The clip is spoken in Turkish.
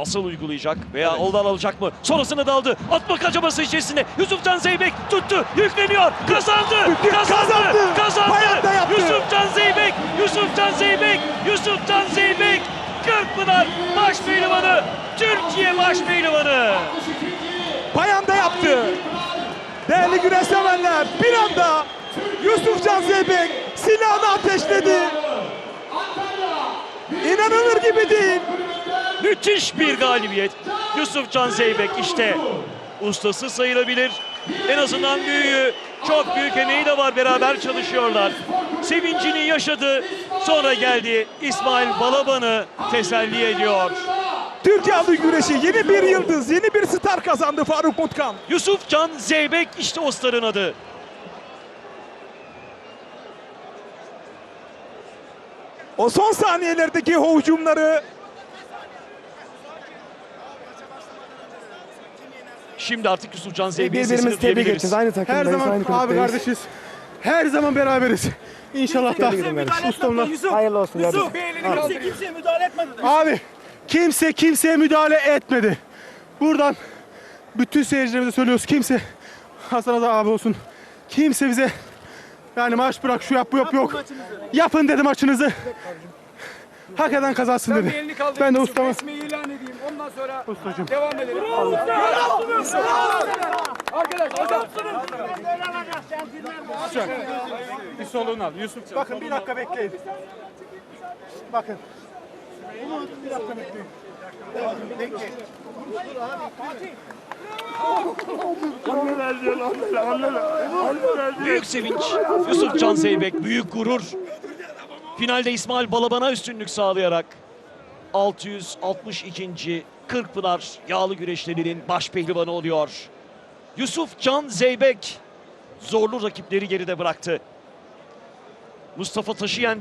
Nasıl uygulayacak veya oldan alacak mı? Sonrasında daldı. Atma kaçaması içerisinde. Yusufcan Zeybek tuttu. Yükleniyor. Kazandı. Kazandı. Yusufcan Zeybek. Kırkpınar baş pehlivanı. Türkiye baş pehlivanı. Bayan'da yaptı. Değerli güreş severler, bir anda Yusufcan Zeybek silahını ateşledi. İnanılır gibi değil. Müthiş bir galibiyet. Yusufcan Zeybek işte ustası sayılabilir. En azından büyüğü, çok büyük emeği de var, beraber çalışıyorlar. Sevincini yaşadı. Sonra geldi İsmail Balaban'ı teselli ediyor. Türkiye Adı Güreşi yeni bir yıldız, yeni bir star kazandı Faruk Mutkan. Yusufcan Zeybek işte o starın adı. O son saniyelerdeki hücumları. Şimdi artık Yusufcan Zeybek'in Birbirimizi sesini tebrik duyabiliriz. edeceğiz. Aynı takımdayız. Her zaman aynı abi kulüpteyiz. kardeşiz. Her zaman beraberiz. İnşallah da ustamla. Hayırlı olsun. Yusuf, kimseye müdahale etmedi. Abi kimseye müdahale etmedi. Buradan bütün seyircilerimize söylüyoruz. Kimse Hasan Aza abi olsun. Kimse bize yani maç bırak şu yap bu yap yok. Yapın dedi maçınızı. Hak eden kazansın dedi. Ben de ustama. Resmi ilan edeyim. Ondan sonra Ustacığım. devam edelim. Arkadaş, Bir soluğunu al Yusuf. Bakın bir dakika bekleyin. Bakın. Bir dakika bekleyin. Bekleyin. Büyük sevinç. Yusufcan Zeybek büyük gurur. Finalde İsmail Balaban'a üstünlük sağlayarak 662. Kırkpınar yağlı güreşlerinin baş pehlivanı oluyor. Yusufcan Zeybek zorlu rakipleri geride bıraktı. Mustafa Taşıyen